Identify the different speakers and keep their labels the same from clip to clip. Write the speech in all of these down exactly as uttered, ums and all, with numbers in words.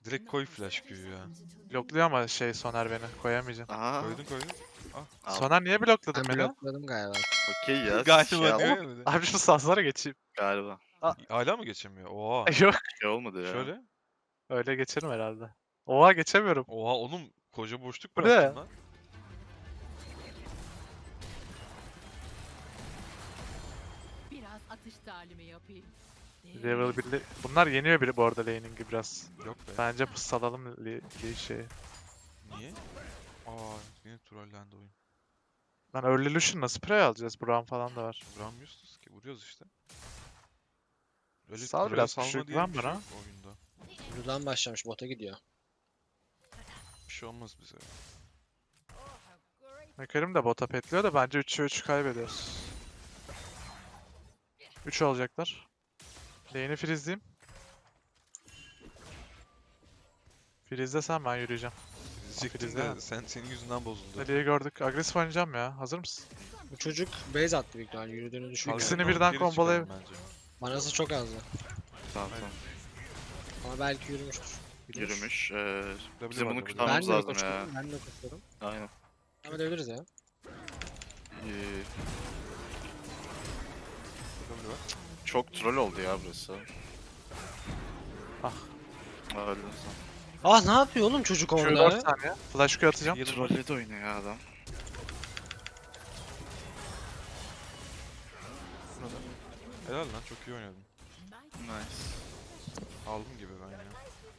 Speaker 1: Direkt koy flash Q'yu ya.
Speaker 2: Blokluyor ama şey Soner beni. Koyamayacağım.
Speaker 3: Aha.
Speaker 1: Koydun koydun.
Speaker 3: Al.
Speaker 2: Soner niye blokladın
Speaker 4: Ben
Speaker 2: beni?
Speaker 4: blokladım galiba.
Speaker 3: Okey ya.
Speaker 1: Galiba
Speaker 3: şey
Speaker 1: diyor
Speaker 3: al-
Speaker 1: ya bir de.
Speaker 2: Abi şu sanslara geçeyim.
Speaker 3: Galiba.
Speaker 1: Hala mı geçemiyor? Oha.
Speaker 2: Yok.
Speaker 3: Şey olmadı ya.
Speaker 1: Şöyle.
Speaker 2: Öyle geçerim herhalde. Oha geçemiyorum.
Speaker 1: Oha oğlum koca boşluk
Speaker 2: Bu
Speaker 1: bıraktın
Speaker 2: ne?
Speaker 1: lan.
Speaker 5: Biraz atış talimi yapayım.
Speaker 2: Level birli. Bunlar yeniyor biri bu arada laning'i biraz.
Speaker 1: Yok be.
Speaker 2: Bence pusalalım li, li şey.
Speaker 1: Niye? Aa yine trollendi oyun.
Speaker 2: Lan early Lucian'la spray alacağız. Brown falan da var.
Speaker 1: Vuramıyorsunuz ki. Vuruyoruz işte. Öyle
Speaker 2: Sal
Speaker 1: trole
Speaker 2: biraz,
Speaker 1: salma
Speaker 2: küçük
Speaker 1: diye
Speaker 2: lan
Speaker 1: bir şey
Speaker 2: bana.
Speaker 1: yok oyunda.
Speaker 4: Buradan başlamış bota gidiyor.
Speaker 1: Bir şey olmaz bize.
Speaker 2: Mekarim de bota petliyor da bence üçe üç kaybediyoruz. üç olacaklar. Lane'i freezeleyeyim. Freezele ben yürüyeceğim.
Speaker 1: Diyecektim
Speaker 2: Krizde.
Speaker 1: de sen, senin yüzünden bozuldu.
Speaker 2: Ali'yi gördük. Agresif oynayacağım ya. Hazır mısın?
Speaker 4: Bu çocuk base attı büyük ihtimalle. Yürüdüğünü düşünüyorum.
Speaker 2: İkisini
Speaker 1: Algın
Speaker 2: birden
Speaker 1: geri
Speaker 2: kombolayıp-
Speaker 1: çıkalım bence.
Speaker 4: Manası çok azdı.
Speaker 3: Tamam tamam.
Speaker 4: Ama belki yürümüştür.
Speaker 3: Yürümüş. Ee,
Speaker 1: W
Speaker 3: bizim
Speaker 1: var,
Speaker 3: bunu
Speaker 1: W.
Speaker 4: Ben
Speaker 3: kurtarmamız
Speaker 4: de
Speaker 3: lazım ya.
Speaker 4: koşuyorum. Ben de koşuyorum.
Speaker 3: Aynen.
Speaker 4: Ama edebiliriz ya.
Speaker 3: Ee,
Speaker 1: W var.
Speaker 3: çok troll oldu ya burası.
Speaker 2: Ah.
Speaker 3: Öldün sen.
Speaker 4: Ah ne yapıyor oğlum çocuk
Speaker 2: Q dört
Speaker 4: orada?
Speaker 2: saniye. Flash Q atacağım.
Speaker 1: Healer var.
Speaker 3: Trolle de oynuyor ya adam.
Speaker 1: Burada. Helal lan çok iyi oynadın.
Speaker 3: Nice.
Speaker 1: Aldım gibi ben ya.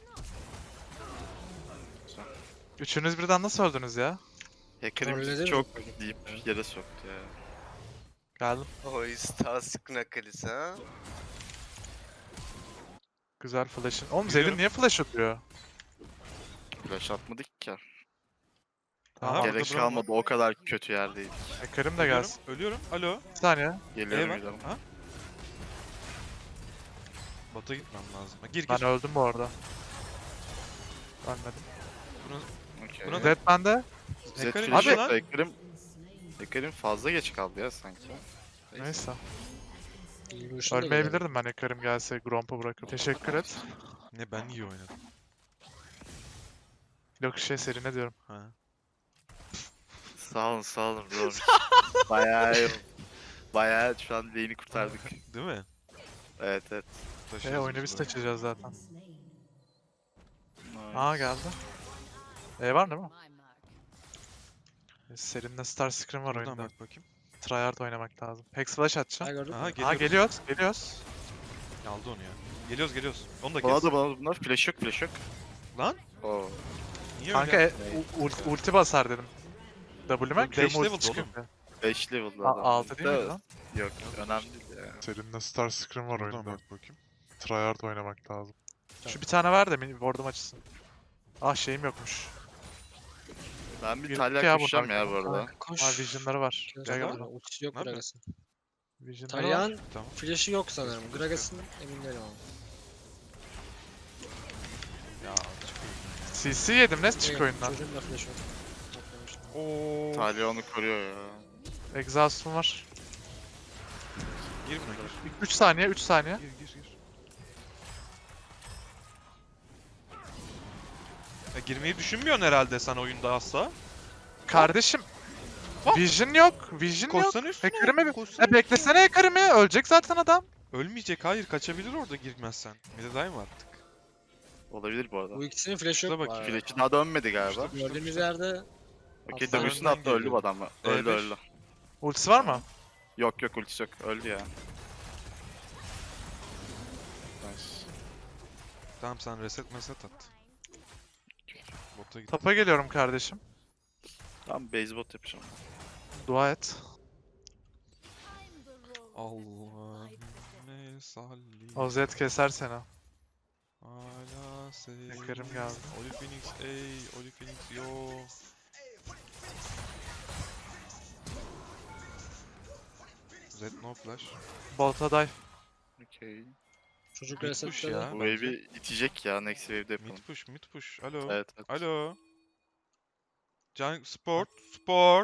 Speaker 2: Üçünüz birden nasıl öldünüz ya?
Speaker 3: Hacker'ı
Speaker 4: Trolledi
Speaker 3: bizi
Speaker 4: mi
Speaker 3: çok
Speaker 4: çocuk?
Speaker 3: deyip yere soktu ya.
Speaker 2: Geldim.
Speaker 6: O Stas Knuckles ha?
Speaker 2: Güzel flash'ın. Oğlum
Speaker 1: Geliyorum.
Speaker 2: Zed'in niye flash atıyor?
Speaker 3: Flash atmadık ki.
Speaker 2: Tamam.
Speaker 1: Aha,
Speaker 3: Gerek
Speaker 1: orada Brown
Speaker 3: kalmadı, o kadar kötü yerdeydik.
Speaker 2: Mekarim de
Speaker 1: Ölüyorum,
Speaker 2: gelsin.
Speaker 1: ölüyorum. Alo.
Speaker 2: Bir saniye.
Speaker 3: Geliyorum
Speaker 1: E var.
Speaker 3: geliyorum.
Speaker 1: Ha? Bota gitmem lazım. Ha, gir gir.
Speaker 2: Ben öldüm bu arada. Ölmedim.
Speaker 3: Okey.
Speaker 1: Buna da-
Speaker 2: Zed bende.
Speaker 3: Zed
Speaker 1: Hacker'ın
Speaker 3: flash
Speaker 1: işi
Speaker 3: yok
Speaker 1: lan.
Speaker 3: da Hacker'ın Hacker'ın fazla geç kaldı ya sanki.
Speaker 2: Neyse.
Speaker 4: Yürüyüşünü de
Speaker 2: Ölmeyebilirdim ben Hacker'im gelse Gromp'u bırakıp. Teşekkür et.
Speaker 1: Ne ben iyi oynadım.
Speaker 2: Yok şey seri ne diyorum.
Speaker 1: Ha.
Speaker 3: Sağ olun sağ olun bro. Bayağı iyi. Bayağı şu an lane'i kurtardık.
Speaker 1: Değil mi?
Speaker 3: Evet evet.
Speaker 2: E oyunu biz
Speaker 1: burayı.
Speaker 2: taşıyacağız zaten.
Speaker 3: Nice.
Speaker 2: Aa geldi. E var değil mi?
Speaker 5: My mark.
Speaker 2: E, Serinin Star Scream var
Speaker 1: Buradan
Speaker 2: oyunda.
Speaker 1: bak bakayım.
Speaker 2: Tryhard oynamak lazım. Hex Flash
Speaker 4: Ha
Speaker 2: atacağım.
Speaker 4: gördün
Speaker 1: Aha
Speaker 4: mü?
Speaker 1: geliyoruz.
Speaker 2: Aa geliyoruz. Geliyoruz.
Speaker 1: Aldı onu ya. Geliyoruz geliyoruz. Onu da
Speaker 3: Bana
Speaker 1: kes.
Speaker 3: da bana da bunlar flash yok flash yok.
Speaker 1: Lan
Speaker 3: Oo.
Speaker 1: niye
Speaker 2: Kanka
Speaker 1: öyle?
Speaker 2: e, u- ult- ulti basar dedim. W'me
Speaker 1: Bu
Speaker 2: Q'm
Speaker 1: beş
Speaker 2: ulti
Speaker 1: level'dı
Speaker 2: çıkıyor.
Speaker 3: beş level'da
Speaker 2: A-
Speaker 3: adam.
Speaker 2: altı değil mi
Speaker 3: Da-
Speaker 2: lan?
Speaker 3: Yok önemli değil ya.
Speaker 2: Serinin Star Scream var
Speaker 1: Buradan
Speaker 2: oyunda.
Speaker 1: bak bakayım.
Speaker 2: Tryhard oynamak lazım. Şu bir tane ver de mini ward'um açsın. Ah şeyim yokmuş.
Speaker 3: Ben bir
Speaker 2: Girdik
Speaker 3: Talya
Speaker 2: ya
Speaker 3: koşacağım
Speaker 2: bunlar.
Speaker 3: ya bu arada.
Speaker 4: Kanka, Koş.
Speaker 2: Ha vision'ları var. Gel gel
Speaker 1: var.
Speaker 2: buraya.
Speaker 4: Ultisi yok
Speaker 1: Ne yapıyor?
Speaker 4: Gragas'ın.
Speaker 2: Vision'ları var.
Speaker 4: Talyan
Speaker 1: Tamam.
Speaker 4: flash'ı yok sanırım. Gragas'ın emin değilim ama.
Speaker 1: Ya çıkıyor.
Speaker 2: C C yedim ne çık
Speaker 4: Evet,
Speaker 2: oyundan.
Speaker 4: Çocuğun da flash'ı yok. Atlamıştım.
Speaker 1: Oo.
Speaker 3: Talya onu koruyor ya.
Speaker 2: Exhaust'um var.
Speaker 1: Gir buna gir.
Speaker 2: üç saniye üç saniye.
Speaker 1: Gir gir gir. Ya girmeyi düşünmüyorsun herhalde sen oyunda asla.
Speaker 2: Kardeşim.
Speaker 1: Hop.
Speaker 2: Vision yok. Vision yok.
Speaker 1: Koşsana üstüne.
Speaker 2: Hacker'ımı bir...
Speaker 1: koşsana
Speaker 2: E beklesene Hacker'ımı. Ölecek zaten adam.
Speaker 1: Ölmeyecek hayır kaçabilir orada girmezsen. Midedayım artık.
Speaker 3: Olabilir bu arada.
Speaker 4: Bu ikisinin flash'ı yok.
Speaker 1: Şuna bak,
Speaker 4: bu arada.
Speaker 3: Flash'i daha dönmedi galiba.
Speaker 4: Gördüğünüz yerde
Speaker 3: Okey
Speaker 4: Aslan
Speaker 3: W'sunu
Speaker 1: önden
Speaker 3: attı öldü
Speaker 1: geliyor.
Speaker 3: bu adam.
Speaker 1: E
Speaker 3: Öldü
Speaker 1: beş.
Speaker 3: öldü.
Speaker 2: Ultisi var mı?
Speaker 3: Yok yok ultisi yok. Öldü ya. Nice.
Speaker 1: Tamam sen reset meset at. Bota git.
Speaker 2: Tapa geliyorum kardeşim.
Speaker 3: Tamam base bot yapacağım.
Speaker 2: Dua et.
Speaker 1: Allahümme salli.
Speaker 2: O Zed keser seni.
Speaker 1: Ala seyyidina.
Speaker 2: Hacker'ım geldi.
Speaker 1: Oli Phoenix ey, Oli Phoenix yo. Zed no flash.
Speaker 2: Bolta dive.
Speaker 3: Okey.
Speaker 4: çocuk
Speaker 1: Mid push
Speaker 4: resetledi.
Speaker 1: ya.
Speaker 3: Bu
Speaker 1: bence.
Speaker 3: wave'i itecek ya next wave'de yapalım.
Speaker 1: Mid push, mid push. Alo.
Speaker 3: Evet evet.
Speaker 1: Alo. Can sport, sport.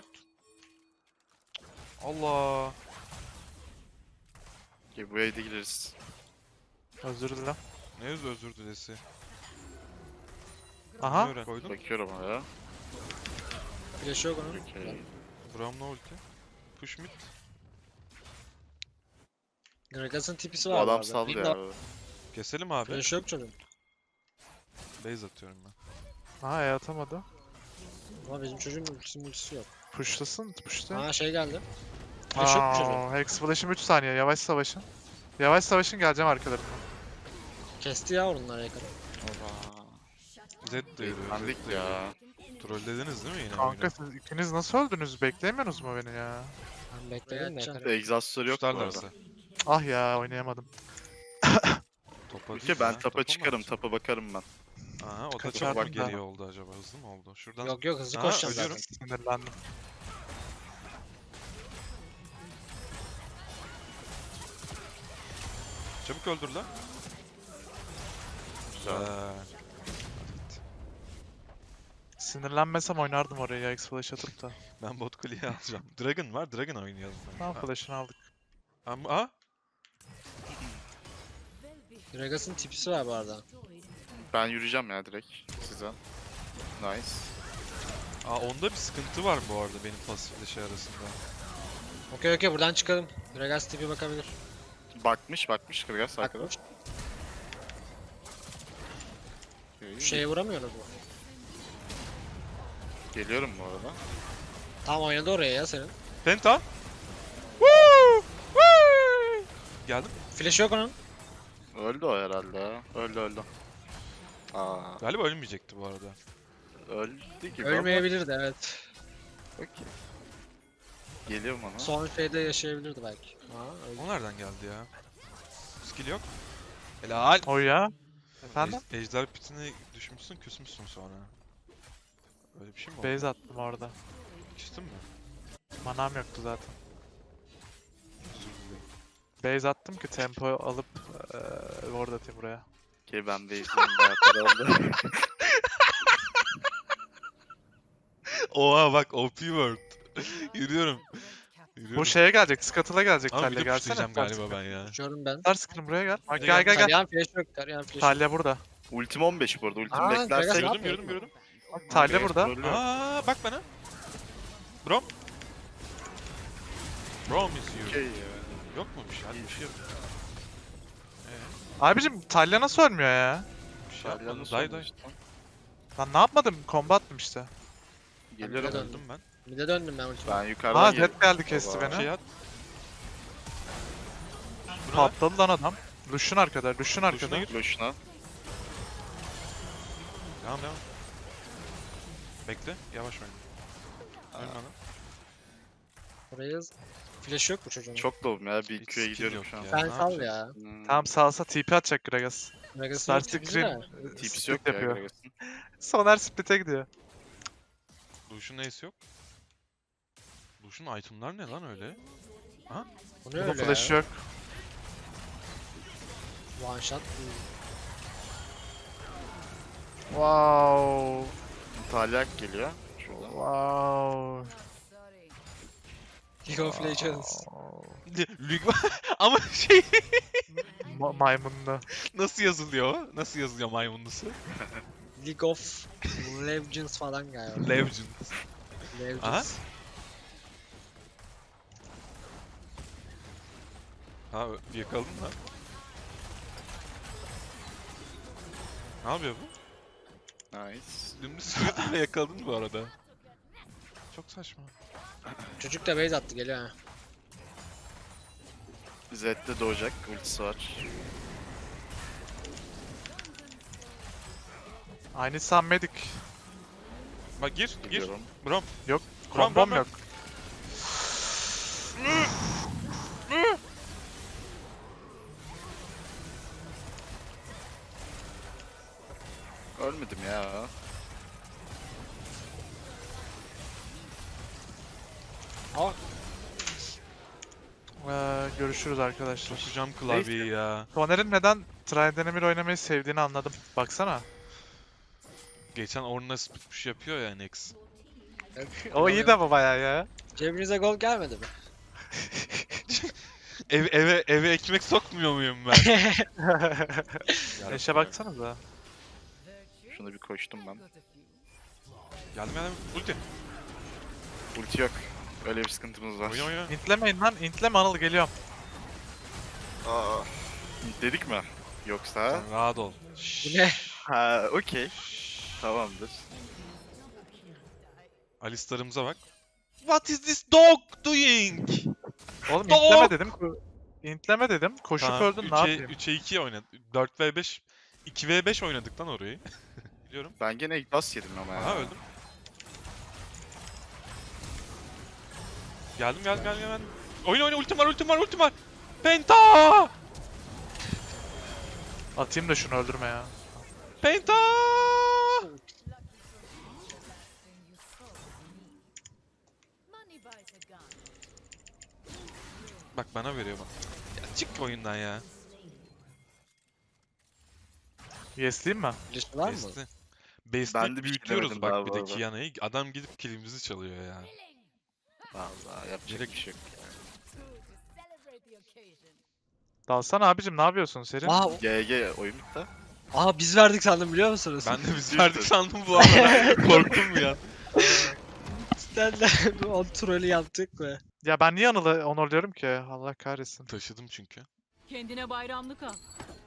Speaker 1: Allah.
Speaker 3: Okey bu wave'de gireriz.
Speaker 2: Özür dilerim.
Speaker 1: Ne öz özür dilesi.
Speaker 2: Aha.
Speaker 1: Öğren. Koydum.
Speaker 3: Bakıyorum oraya.
Speaker 4: Flash yok onun.
Speaker 3: Okey.
Speaker 1: Braum'la ulti. Push mid.
Speaker 4: Gragas'ın tipisi
Speaker 3: Bu
Speaker 4: var.
Speaker 3: adam
Speaker 4: bu
Speaker 3: saldı
Speaker 4: arada.
Speaker 3: ya.
Speaker 1: Keselim abi.
Speaker 4: Flash yok çocuğun.
Speaker 1: Base atıyorum ben.
Speaker 2: Aha E atamadı.
Speaker 4: Ama bizim çocuğun ultisi multisi yok.
Speaker 2: Pushlasın, pushla.
Speaker 4: Aa şey geldi. Flash yok mu çocuğun?
Speaker 2: Aa, Hex flash'ım üç saniye. Yavaş savaşın. Yavaş savaşın, geleceğim arkalarına.
Speaker 4: Kesti ya onları yakın.
Speaker 3: Oba.
Speaker 1: Zed de yürüyor.
Speaker 3: Bendik
Speaker 1: Zed de
Speaker 3: ya.
Speaker 1: yürüyor. Trollediniz değil mi yine
Speaker 2: Kanka
Speaker 1: oyunu?
Speaker 2: siz ikiniz nasıl öldünüz? Beklemiyorsunuz mu beni ya?
Speaker 4: Ben bekledim de yakın.
Speaker 3: Egzastörü yok bu arada.
Speaker 1: Tutarlarsa.
Speaker 2: Ah ya, oynayamadım.
Speaker 1: Topa değil
Speaker 3: Ülke ben
Speaker 1: ya,
Speaker 3: tapa
Speaker 1: mı
Speaker 3: çıkarım,
Speaker 1: atacak?
Speaker 3: tapa bakarım ben.
Speaker 1: Aha o da
Speaker 2: Kaçardım
Speaker 1: çok
Speaker 2: da.
Speaker 1: geliyor oldu acaba. Hızlı mı oldu? Şuradan
Speaker 4: Yok yok hızlı
Speaker 1: Aa,
Speaker 4: koşacağım
Speaker 1: ölüyorum.
Speaker 4: zaten.
Speaker 2: Sinirlendim.
Speaker 1: çabuk öldür lan.
Speaker 3: Güzel.
Speaker 1: Güzel.
Speaker 2: Sinirlenmesem oynardım oraya ya, X flash atıp da.
Speaker 1: Ben bot kuleyi alacağım. Dragon var, Dragon oynayalım.
Speaker 2: Tamam,
Speaker 1: Ha,
Speaker 2: flash'ını aldık.
Speaker 1: Ama aa,
Speaker 4: Gragas'ın tipisi var bu arada.
Speaker 3: Ben yürüyeceğim ya direkt size. Nice.
Speaker 1: aa onda bir sıkıntı var bu arada benim pasifle şey arasında.
Speaker 4: Okey okey buradan çıkalım. Gragas tipi bakabilir.
Speaker 3: Bakmış bakmış Gragas arkada.
Speaker 4: Bakmış.
Speaker 3: Okey.
Speaker 4: Şu şeye vuramıyoruz mu?
Speaker 3: Geliyorum bu arada.
Speaker 4: Tam oynadı oraya ya senin.
Speaker 1: Penta. Woo! Woo! Geldim.
Speaker 4: Flash yok onun.
Speaker 3: Öldü o herhalde. Öldü öldü. Aa,
Speaker 1: Galiba ölmeyecekti bu arada.
Speaker 3: öldü gibi
Speaker 4: Ölmeyebilirdi evet.
Speaker 3: ama. Okey. Geliyorum ona.
Speaker 4: Son şeyde yaşayabilirdi belki. Aa, öldü.
Speaker 1: O nereden geldi ya? Skill yok. Helal.
Speaker 2: O ya. Efendim?
Speaker 1: Ej- Ejder pitine düşmüşsün, küsmüşsün sonra. Öyle bir şey mi oldu?
Speaker 2: Base attım orada.
Speaker 1: Küstün mü?
Speaker 2: Manam yoktu zaten.
Speaker 1: Özür dilerim.
Speaker 2: Base attım ki tempo alıp eee ward atayım buraya.
Speaker 3: Okey ben de izleyeyim bayağı para oldu.
Speaker 1: Oha bak O P word. Yürüyorum. Yürüyorum.
Speaker 2: Bu şeye gelecek, Scuttle'a gelecek
Speaker 1: Ama bir
Speaker 2: Talya,
Speaker 1: de
Speaker 2: gelsene.
Speaker 1: pushlayacağım galiba ben ya.
Speaker 4: Uçuyorum ben.
Speaker 2: Star Screen buraya gel. Bak,
Speaker 1: Buraya
Speaker 2: gel
Speaker 1: gel.
Speaker 2: gel gel.
Speaker 4: Talyan flash yok. Talyan flash yok.
Speaker 2: Talya burada.
Speaker 3: Ultim on beş bu arada. Ultim
Speaker 4: Aa, Gragas
Speaker 3: beklersek.
Speaker 4: ne
Speaker 1: Gördüm
Speaker 4: yapıyor?
Speaker 1: gördüm gördüm.
Speaker 2: Talya
Speaker 3: Gragas
Speaker 2: burada.
Speaker 3: trollüyor.
Speaker 1: Aa bak bana. Brom. Brom is you.
Speaker 3: Okey ya.
Speaker 1: Yok mu bir şey? Hadi bir şey yap. Ee,
Speaker 2: Abicim Talya nasıl ölmüyor ya?
Speaker 1: bir şey
Speaker 3: Şalyanı
Speaker 1: yapmadım. Day day.
Speaker 3: sormuş lan.
Speaker 2: Lan ne yapmadım? Combat'tım işte.
Speaker 3: Geliyorum.
Speaker 4: Neden?
Speaker 1: Öldüm ben.
Speaker 4: Bir de döndüm ben ultime.
Speaker 3: Ben yukarıdan
Speaker 2: Aa,
Speaker 3: geliyorum.
Speaker 2: Zed geldi, kesti
Speaker 3: Baba.
Speaker 2: beni.
Speaker 1: Şey at. Buna
Speaker 2: Patladı lan adam. Lush'un arkada, Lush'un
Speaker 1: Lush'una
Speaker 2: arkada.
Speaker 1: gir.
Speaker 3: Loşuna.
Speaker 1: Devam devam. Bekle. Yavaş oyna. Ölme lan.
Speaker 4: Oraya flash yok bu çocuğun.
Speaker 3: Çok doğum ya. Bir
Speaker 1: Hiç
Speaker 3: Q'ya
Speaker 1: skill
Speaker 3: gidiyorum
Speaker 1: yok
Speaker 3: şu an.
Speaker 1: ya.
Speaker 4: Sen
Speaker 1: Ne
Speaker 4: sal
Speaker 1: yapacak?
Speaker 4: ya.
Speaker 3: Hmm.
Speaker 2: Tamam, salsa T P atacak Gragas.
Speaker 4: Gragas'ın
Speaker 2: Star
Speaker 4: tipisi
Speaker 2: Screen
Speaker 4: de.
Speaker 2: e,
Speaker 3: Tipsi
Speaker 2: split
Speaker 3: yok ya
Speaker 2: yapıyor.
Speaker 3: Gragas'ın.
Speaker 2: Soner split'e gidiyor.
Speaker 1: Lush'un ace yok. Lush'un itemlar ne lan öyle?
Speaker 4: Bu ne
Speaker 2: Bunun
Speaker 4: öyle
Speaker 2: flash'ı
Speaker 4: ya?
Speaker 2: yok.
Speaker 4: One shot.
Speaker 2: Wow.
Speaker 3: Talyak geliyor. Şuradan.
Speaker 2: Wow.
Speaker 5: Sorry.
Speaker 4: League of Legends.
Speaker 1: Lig ama şey
Speaker 2: Ma maymunlu.
Speaker 1: nasıl yazılıyor? o? Nasıl yazılıyor maymunlusu?
Speaker 4: League of Legends falan galiba.
Speaker 1: Legend.
Speaker 4: Legends.
Speaker 1: Aha. Ha yakaladın mı? Ne yapıyor bu?
Speaker 3: Nice.
Speaker 1: Dümdüz sürüyordun ve yakaladın bu arada. Çok saçma.
Speaker 4: Çocuk da base attı geliyor ha.
Speaker 3: Zed'de doğacak. Ultisi var.
Speaker 2: Aynı Sam Medic.
Speaker 1: Bak gir, gir.
Speaker 3: Gidiyorum.
Speaker 1: Brom. Brom,
Speaker 2: Kombom
Speaker 1: brom.
Speaker 2: yok.
Speaker 3: Ölmedim ya.
Speaker 4: Aa
Speaker 2: Ee, görüşürüz arkadaşlar.
Speaker 1: Sokacağım klavyeyi ya.
Speaker 2: Soner'in neden Trident Emir oynamayı sevdiğini anladım. Baksana.
Speaker 1: Geçen Ornna split push yapıyor ya Nex.
Speaker 2: O iyi de bu bayağı ya.
Speaker 4: cebinize gol gelmedi mi?
Speaker 1: Ev, eve eve ekmek sokmuyor muyum ben?
Speaker 2: Eşe baksanıza.
Speaker 3: Şuna bir koştum ben.
Speaker 1: Geldim geldim. Ulti.
Speaker 3: Ulti yok. Öyle bir sıkıntımız var.
Speaker 1: Oyna oyna.
Speaker 2: İntlemeyin lan. İntleme Anıl geliyorum.
Speaker 6: Aa.
Speaker 3: Dedik mi? Yoksa?
Speaker 1: Sen rahat ol.
Speaker 4: Bu ne?
Speaker 3: Ha, okey. Tamamdır.
Speaker 1: Alistar'ımıza bak. What is this dog doing?
Speaker 2: Oğlum
Speaker 1: Dog!
Speaker 2: intleme dedim. ko- İntleme dedim. Koşup
Speaker 1: Tamam,
Speaker 2: öldün ne
Speaker 1: üçe
Speaker 2: yapayım?
Speaker 1: üçe iki oynadık. dört ve beş. iki ve beş oynadık lan orayı. Biliyorum.
Speaker 3: Ben gene bas yedim ama ya.
Speaker 1: Aha öldüm. Geldim geldim geldim geldim. Oyna oyna ultim var ultim var ultim var. Penta!
Speaker 2: Atayım da şunu öldürme ya.
Speaker 1: Penta!
Speaker 5: Money buys a gun.
Speaker 1: Bak bana veriyor bak. Ya çık oyundan ya.
Speaker 2: Yesleyeyim mi?
Speaker 4: Birisi var mı?
Speaker 1: Besti.
Speaker 3: Ben
Speaker 1: Besti
Speaker 3: de bir şey
Speaker 1: büyütüyoruz
Speaker 3: demedim
Speaker 1: bak
Speaker 3: daha
Speaker 1: bir
Speaker 3: bu
Speaker 1: de
Speaker 3: arada.
Speaker 1: Kiana'yı. Adam gidip kilimizi çalıyor ya.
Speaker 3: Vallahi yapacak
Speaker 1: Direkt-
Speaker 3: bir şey yok.
Speaker 5: Good to celebrate the occasion.
Speaker 2: Dalsana abicim ne yapıyorsun Serin?
Speaker 4: Aa,
Speaker 3: G G oyun bitti.
Speaker 4: aa biz verdik sandım biliyor musunuz?
Speaker 1: Ben de biz
Speaker 3: Bir
Speaker 1: verdik
Speaker 3: sürü.
Speaker 1: sandım bu arada. Korktum bir an.
Speaker 4: Cidden de o trolü yaptık mı?
Speaker 2: Ya ben niye Anıl'ı onurluyorum ki? Allah kahretsin.
Speaker 1: Taşıdım çünkü.
Speaker 5: Kendine bayramlık al.